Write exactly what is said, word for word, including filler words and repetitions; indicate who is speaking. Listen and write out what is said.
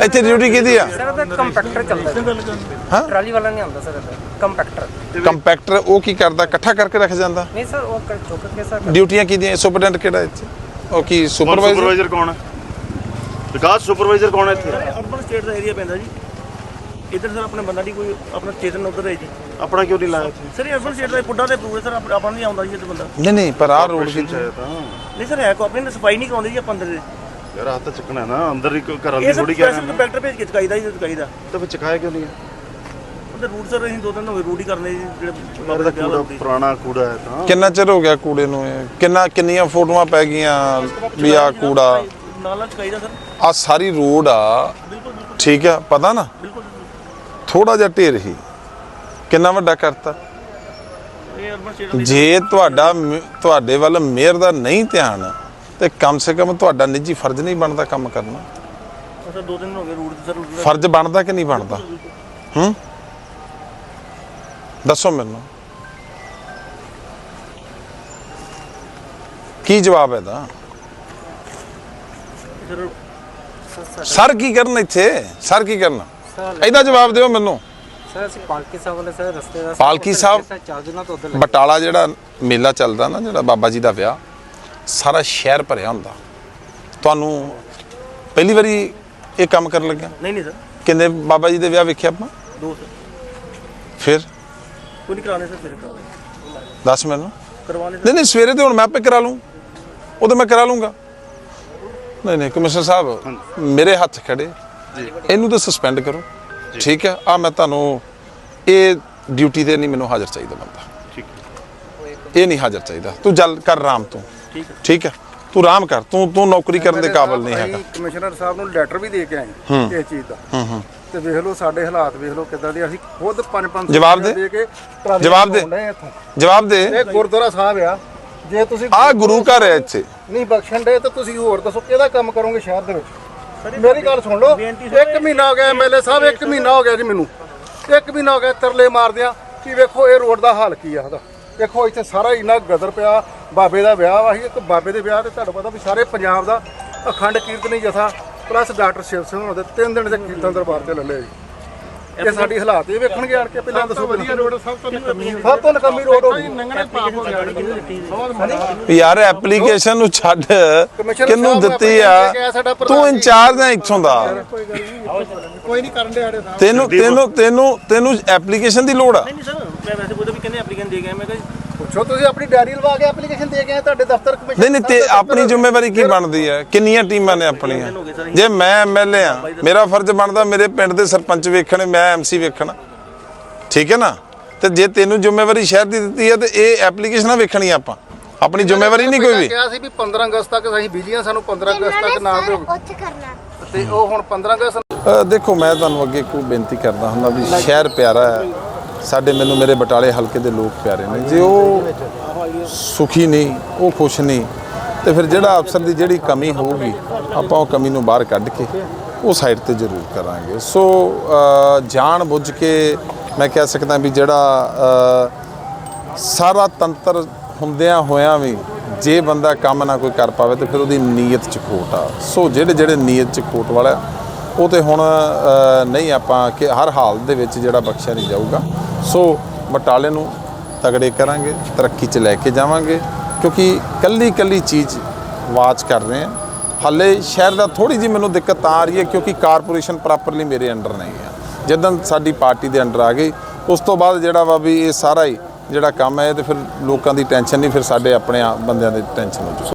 Speaker 1: ਇੱਥੇ ਡਿਊਟੀ ਕਿਹਦੀ ਆ?
Speaker 2: ਸਰ ਉਹਦਾ ਕੰਪੈਕਟਰ ਚੱਲਦਾ ਹਾਂ, ਟਰਾਲੀ ਵਾਲਾ ਨਹੀਂ ਆਉਂਦਾ ਸਰ, ਕੰਪੈਕਟਰ।
Speaker 1: ਕੰਪੈਕਟਰ ਉਹ ਕੀ ਕਰਦਾ? ਇਕੱਠਾ ਕਰਕੇ ਰੱਖ ਜਾਂਦਾ?
Speaker 2: ਨਹੀਂ ਸਰ, ਉਹ ਚੁੱਕ ਕੇ ਸਰ।
Speaker 1: ਡਿਊਟੀਆਂ ਕਿਹਦੀਆਂ? ਸੁਪਰਡੈਂਟ ਕਿਹੜਾ ਇੱਥੇ? ਉਹ ਕੀ ਸੁਪਰਵਾਈਜ਼ਰ?
Speaker 3: ਸੁਪਰਵਾਈਜ਼ਰ ਕੌਣ ਹੈ? ਵਿਕਾਸ ਸੁਪਰਵਾਈਜ਼ਰ ਕੌਣ ਹੈ ਇੱਥੇ?
Speaker 4: ਅਰਬਨ ਸਟੇਟ ਦਾ ਏਰੀਆ ਪੈਂਦਾ ਜੀ ਇੱਧਰ ਸਰ। ਆਪਣੇ ਬੰਦਾ ਨਹੀਂ ਕੋਈ ਆਪਣਾ ਚੇਤਨ ਉੱਧਰ ਹੈ ਜੀ।
Speaker 3: ਆਪਣਾ ਕਿਉਂ ਨਹੀਂ ਲਾਇਆ ਇੱਥੇ?
Speaker 4: ਸਰ ਅਰਬਨ ਸਟੇਟ ਦਾ ਪੁੱਡਾ ਤੇ ਅਪਰੂਵ ਹੈ ਸਰ, ਆਪਾਂ ਨਹੀਂ ਆਉਂਦਾ ਜੀ ਇੱਥੇ ਬੰਦਾ।
Speaker 1: ਨਹੀਂ ਨਹੀਂ, ਪਰ ਆਹ ਰੋਡ
Speaker 3: ਵਿੱਚ ਆਇਆ ਤਾਂ
Speaker 4: ਨਹੀਂ ਸਰ, ਹੈ ਕੋ ਆਪਣੀ ਸਫਾਈ ਨਹੀਂ ਕਰਾਉਂਦੇ ਜੀ ਆਪਾਂ ਅੰਦਰ ਦੇ।
Speaker 3: ਯਾਰ ਹੱਥ ਚੱਕਣਾ ਨਾ ਅੰਦਰ ਹੀ ਘਰਾਂ ਦੀ
Speaker 4: ਇਹ
Speaker 3: ਥੋੜੀ
Speaker 4: ਸਰ
Speaker 3: ਕਹਿ ਰਹੇ ਨੇ।
Speaker 4: ਕੰਪੈਕਟਰ ਭੇਜ ਕੇ ਚਕਾਈਦਾ ਜੀ, ਚਕਾਈਦਾ
Speaker 3: ਤਾਂ ਫਿਰ ਚਕਾਇਆ ਕਿਉਂ ਨਹੀਂ?
Speaker 4: ਉਹਦੇ ਰੂਟ ਸਰ ਅਸੀਂ ਦੋ ਦਿਨ ਹੋਏ ਰੂਟ ਹੀ ਕਰਨੇ ਜੀ ਜਿਹੜੇ
Speaker 3: ਬਾਬੇ ਦਾ ਕੂੜਾ ਪੁਰਾਣਾ ਕੂੜਾ ਹੈ ਤਾਂ।
Speaker 1: ਕਿੰਨਾ ਚਿਰ ਹੋ ਗਿਆ ਕੂੜੇ ਨੂੰ? ਇਹ ਕਿੰਨਾ ਕਿੰਨੀਆਂ ਫੋਟੋਆਂ ਪੈ ਗਈਆਂ ਵੀ ਆ ਕੂੜਾ
Speaker 4: ਨਾਲ ਨਾਲ ਚਕਾਈਦਾ ਸਰ।
Speaker 1: ਆ ਸਾਰੀ ਰੋਡ ਆ, ਠੀਕ ਆ, ਪਤਾ ਨਾ? ਥੋੜਾ ਜਿਹਾ ਢੇਰ ਹੀ ਕਿੰਨਾ ਵੱਡਾ ਕਰਤਾ।
Speaker 4: ਇਹ ਅਰਬਨ ਸਟੇਟ ਦਾ
Speaker 1: ਜੇ ਤੁਹਾਡਾ ਤੁਹਾਡੇ ਵੱਲ ਮੇਅਰ ਦਾ ਨਹੀਂ ਧਿਆਨ ਤੇ ਕਮ ਸੇ ਕਮ ਤੁਹਾਡਾ ਨਿੱਜੀ ਫਰਜ਼ ਨਹੀਂ ਬਣਦਾ ਕੰਮ ਕਰਨਾ?
Speaker 4: ਸਰ ਦੋ ਦਿਨ ਹੋ ਗਏ ਰੂਟ ਸਰ।
Speaker 1: ਫਰਜ਼ ਬਣਦਾ ਕਿ ਨਹੀਂ ਬਣਦਾ? ਹੂੰ, ਦੱਸੋ ਮੈਨੂੰ ਕੀ ਜਵਾਬ ਹੈ ਦਾ? ਸਰ ਕੀ ਕਰਨ ਇੱਥੇ? ਸਰ ਕੀ ਕਰਨਾ? ਇਹਦਾ ਜਵਾਬ ਦਿਓ ਮੈਨੂੰ।
Speaker 2: ਸਰ ਅਸੀਂ ਪਾਲਕੀ ਸਾਹਿਬ ਵਾਲੇ ਸਰ ਰਸਤੇ ਦਾ
Speaker 1: ਪਾਲਕੀ ਸਾਹਿਬ
Speaker 2: ਚਾਰ ਦਿਨਾਂ ਤੋਂ ਉੱਧਰ
Speaker 1: ਬਟਾਲਾ ਜਿਹੜਾ ਮੇਲਾ ਚੱਲਦਾ ਨਾ, ਜਿਹੜਾ ਬਾਬਾ ਜੀ ਦਾ ਵਿਆਹ, ਸਾਰਾ ਸ਼ਹਿਰ ਭਰਿਆ ਹੁੰਦਾ। ਤੁਹਾਨੂੰ ਪਹਿਲੀ ਵਾਰੀ ਇਹ ਕੰਮ ਕਰਨ ਲੱਗਿਆ?
Speaker 4: ਨਹੀਂ ਨਹੀਂ ਸਰ।
Speaker 1: ਕਿੰਨੇ ਬਾਬਾ ਜੀ ਦੇ ਵਿਆਹ ਵੇਖਿਆ ਆਪਾਂ?
Speaker 4: ਦੋ ਸਰ।
Speaker 1: ਫਿਰ
Speaker 4: ਕੋਈ ਨਹੀਂ ਕਰਾਣੇ ਸਰ, ਫਿਰ ਕਰਾਣੇ।
Speaker 1: ਦੱਸ ਮੈਨੂੰ।
Speaker 4: ਕਰਵਾਣੇ
Speaker 1: ਨਹੀਂ ਨਹੀਂ, ਸਵੇਰੇ ਤੇ ਹੁਣ ਮੈਂ ਆਪੇ ਕਰਾ ਲੂੰ, ਉਹ ਤਾਂ ਮੈਂ ਕਰਾ ਲੂੰਗਾ। ਨਹੀਂ ਨਹੀਂ ਕਮਿਸ਼ਨਰ ਸਾਹਿਬ, ਮੇਰੇ ਹੱਥ ਖੜੇ, ਇਹਨੂੰ ਤਾਂ ਸਸਪੈਂਡ ਕਰੋ, ਠੀਕ ਹੈ? ਆ ਮੈਂ ਤੁਹਾਨੂੰ ਇਹ ਡਿਊਟੀ ਤੇ ਨਹੀਂ ਮੈਨੂੰ ਹਾਜ਼ਰ ਚਾਹੀਦਾ ਬੰਦਾ,
Speaker 3: ਠੀਕ
Speaker 1: ਇਹ ਨਹੀਂ ਹਾਜ਼ਰ ਚਾਹੀਦਾ। ਤੂੰ ਜਲ ਕਰ ਆਰਾਮ ਤੂੰ, ਠੀਕ ਹੈ? ਤੂੰ ਆਰਾਮ ਕਰ, ਤੂੰ ਤੂੰ ਨੌਕਰੀ ਕਰਨ ਦੇ ਕਾਬਿਲ ਨਹੀਂ ਹੈਗਾ।
Speaker 5: ਕਮਿਸ਼ਨਰ ਸਾਹਿਬ ਨੂੰ ਲੈਟਰ ਵੀ ਦੇ ਕੇ ਆਏ ਇਸ ਚੀਜ਼ ਦਾ,
Speaker 1: ਹੂੰ ਹੂੰ,
Speaker 5: ਤੇ ਵੇਖ ਲਓ ਸਾਡੇ ਹਾਲਾਤ ਵੇਖ ਲਓ ਕਿੱਦਾਂ ਦੇ। ਅਸੀਂ ਖੁਦ ਪੰਜ ਪੰਜ
Speaker 1: ਜਵਾਬ ਦੇ,
Speaker 5: ਕੇ
Speaker 1: ਜਵਾਬ ਦੇ, ਜਵਾਬ ਦੇ।
Speaker 5: ਇਹ ਗੁਰਦੁਆਰਾ ਸਾਹਿਬ ਆ, ਜੇ ਤੁਸੀਂ
Speaker 1: ਆ ਗੁਰੂ ਘਰ ਹੈ ਇੱਥੇ,
Speaker 5: ਨਹੀਂ ਬਖਸ਼ਣ ਦੇ ਤਾਂ ਤੁਸੀਂ ਹੋਰ ਦੱਸੋ ਕਿਹਦਾ ਕੰਮ ਕਰੋਗੇ ਸ਼ਹਿਰ ਦੇ ਵਿੱਚ? ਮੇਰੀ ਗੱਲ ਸੁਣ ਲਓ, ਇੱਕ ਮਹੀਨਾ ਹੋ ਗਿਆ ਐਮਐਲਏ ਸਾਹਿਬ, ਇੱਕ ਮਹੀਨਾ ਹੋ ਗਿਆ ਜੀ ਮੈਨੂੰ, ਇੱਕ ਮਹੀਨਾ ਹੋ ਗਿਆ ਤਰਲੇ ਮਾਰਦਿਆਂ ਕਿ ਵੇਖੋ ਇਹ ਰੋਡ ਦਾ ਹਾਲ ਕੀ ਆ ਉਹਦਾ। ਦੇਖੋ ਇੱਥੇ ਸਾਰਾ ਇੰਨਾ ਗਦਰ ਪਿਆ। ਬਾਬੇ ਦਾ ਵਿਆਹ ਵਾ, ਇੱਕ ਬਾਬੇ ਦੇ ਵਿਆਹ ਤੇ ਤੁਹਾਨੂੰ ਪਤਾ ਵੀ ਸਾਰੇ ਪੰਜਾਬ ਦਾ ਅਖੰਡ ਕੀਰਤਨੀ ਜਥਾ ਪਲੱਸ ਡਾਕਟਰ ਸ਼ਿਵ ਸਿੰਘ ਹੋਣਾ ਦੇ ਤਿੰਨ ਦਿਨ ਦੇ ਕੀਰਤਨ ਦਰਬਾਰ ਤੇ ਲੱਲੇ ਜੀ। ਇਹ ਸਾਡੀ ਹਾਲਾਤ ਇਹ ਵੇਖਣਗੇ ਆਣ ਕੇ। ਪਹਿਲਾਂ ਦੱਸੋ ਵਧੀਆ ਰੋਡ ਸਭ ਤੋਂ ਸਭ ਤੋਂ ਨਕਮੀ ਰੋਡ ਹੋ ਗਈ।
Speaker 1: ਯਾਰ ਐਪਲੀਕੇਸ਼ਨ ਨੂੰ ਛੱਡ, ਕਿਹਨੂੰ ਦਿੱਤੀ ਆ? ਤੂੰ ਇੰਚਾਰਜ ਹੈ ਇੱਥੋਂ ਦਾ,
Speaker 5: ਕੋਈ ਨਹੀਂ ਕਰਨ ਦੇ ਆੜੇ ਸਾਹਿਬ।
Speaker 1: ਤੈਨੂੰ ਤੈਨੂੰ ਤੈਨੂੰ ਤੈਨੂੰ ਐਪਲੀਕੇਸ਼ਨ ਦੀ ਲੋੜ ਆ?
Speaker 4: ਨਹੀਂ ਸਰ, ਮੈਂ ਵੈਸੇ ਕੋਈ ਵੀ ਕਹਿੰਦੇ ਐਪਲੀਕੈਂਟ ਦੇ ਗਏ। ਮੈਂ ਕਿਹਾ
Speaker 5: ਪੁੱਛੋ, ਤੁਸੀਂ ਆਪਣੀ ਡਾਇਰੀ ਲਵਾ ਕੇ ਐਪਲੀਕੇਸ਼ਨ ਦੇ ਕੇ ਆਏ ਤੁਹਾਡੇ ਦਫ਼ਤਰ ਕਮਿਸ਼ਨ?
Speaker 1: ਨਹੀਂ ਨਹੀਂ, ਤੇ ਆਪਣੀ ਜ਼ਿੰਮੇਵਾਰੀ ਕੀ ਬਣਦੀ ਹੈ? ਕਿੰਨੀਆਂ ਟੀਮਾਂ ਨੇ ਆਪਣੀਆਂ? ਜੇ ਮੈਂ ਐਮਐਲਏ ਆ, ਮੇਰਾ ਫਰਜ਼ ਬਣਦਾ ਮੇਰੇ ਪਿੰਡ ਦੇ ਸਰਪੰਚ ਵੇਖਣੇ, ਮੈਂ ਐਮਸੀ ਵੇਖਣਾ, ਠੀਕ ਹੈ ਨਾ? ਤੇ ਜੇ ਤੈਨੂੰ ਜ਼ਿੰਮੇਵਾਰੀ ਸ਼ਹਿਰ ਦੀ ਦਿੱਤੀ ਹੈ ਤੇ ਇਹ ਐਪਲੀਕੇਸ਼ਨਾਂ ਵੇਖਣੀ ਆਪਾਂ, ਆਪਣੀ ਜ਼ਿੰਮੇਵਾਰੀ ਨਹੀਂ ਕੋਈ ਵੀ।
Speaker 5: ਕਿਹਾ ਸੀ ਵੀ ਪੰਦਰਾਂ ਅਗਸਤ ਤੱਕ ਅਸੀਂ ਬਿਜਲੀਆਂ ਸਾਨੂੰ ਪੰਦਰਾਂ ਅਗਸਤ ਤੱਕ ਨਾ ਦਿਓ,
Speaker 6: ਉੱਥੇ ਕਰਨਾ
Speaker 5: ਤੇ ਉਹ ਹੁਣ ਪੰਦਰਾਂ ਅਗਸਤ।
Speaker 1: ਅ, ਦੇਖੋ ਮੈਂ ਤੁਹਾਨੂੰ ਅੱਗੇ ਕੋਈ ਬੇਨਤੀ ਕਰਦਾ ਹੁੰਦਾ ਵੀ ਸ਼ਹਿਰ ਪਿਆਰਾ ਹੈ ਸਾਡੇ, ਮੈਨੂੰ ਮੇਰੇ ਬਟਾਲੇ ਹਲਕੇ ਦੇ ਲੋਕ ਪਿਆਰੇ ਨੇ। ਜੇ ਉਹ ਸੁਖੀ ਨਹੀਂ, ਉਹ ਖੁਸ਼ ਨਹੀਂ, ਤੇ ਫਿਰ ਜਿਹੜਾ ਅਫਸਰ ਦੀ ਜਿਹੜੀ ਕਮੀ ਹੋਊਗੀ ਆਪਾਂ ਉਹ ਕਮੀ ਨੂੰ ਬਾਹਰ ਕੱਢ ਕੇ ਉਹ ਸਾਈਡ ਤੇ ਜ਼ਰੂਰ ਕਰਾਂਗੇ। ਸੋ ਜਾਣ ਬੁੱਝ ਕੇ ਮੈਂ ਕਹਿ ਸਕਦਾ ਵੀ ਜਿਹੜਾ ਸਾਰਾ ਤੰਤਰ ਹੁੰਦਿਆਂ ਹੋਇਆਂ ਵੀ ਜੇ ਬੰਦਾ ਕੰਮ ਨਾ ਕੋਈ ਕਰ ਪਾਵੇ ਤੇ ਫਿਰ ਉਹਦੀ ਨੀਅਤ 'ਚ ਖੋਟ ਆ। ਸੋ ਜਿਹੜੇ ਜਿਹੜੇ ਨੀਅਤ 'ਚ ਖੋਟ ਵਾਲਾ ਉਹ ਤੇ ਹੁਣ ਨਹੀਂ ਆਪਾਂ ਕਿ ਹਰ ਹਾਲ ਦੇ ਵਿੱਚ ਜਿਹੜਾ ਬਖਸ਼ਿਆ ਨਹੀਂ ਜਾਊਗਾ। ਸੋ ਬਟਾਲੇ ਨੂੰ ਤਗੜੇ ਕਰਾਂਗੇ, ਤਰੱਕੀ 'ਚ ਲੈ ਕੇ ਜਾਵਾਂਗੇ, ਕਿਉਂਕਿ ਕੱਲੀ ਕੱਲੀ ਚੀਜ਼ ਵਾਚ ਕਰ ਰਹੇ ਹਾਂ। ਹਾਲੇ ਸ਼ਹਿਰ ਦਾ ਥੋੜ੍ਹੀ ਜਿਹੀ ਮੈਨੂੰ ਦਿੱਕਤ ਆ ਰਹੀ ਹੈ ਕਿਉਂਕਿ ਕਾਰਪੋਰੇਸ਼ਨ ਪ੍ਰੋਪਰਲੀ ਮੇਰੇ ਅੰਡਰ ਨਹੀਂ ਹੈ। ਜਦੋਂ ਸਾਡੀ ਪਾਰਟੀ ਦੇ ਅੰਡਰ ਆ ਗਈ ਉਸ ਤੋਂ ਬਾਅਦ ਜਿਹੜਾ ਵਾ ਵੀ ਇਹ ਸਾਰਾ ਹੀ ਜਿਹੜਾ ਕੰਮ ਹੈ ਤੇ ਫਿਰ ਲੋਕਾਂ ਦੀ ਟੈਨਸ਼ਨ ਨਹੀਂ, ਫਿਰ ਸਾਡੇ ਆਪਣੇ ਬੰਦਿਆਂ ਦੀ ਟੈਨਸ਼ਨ ਹੋ ਜੂ।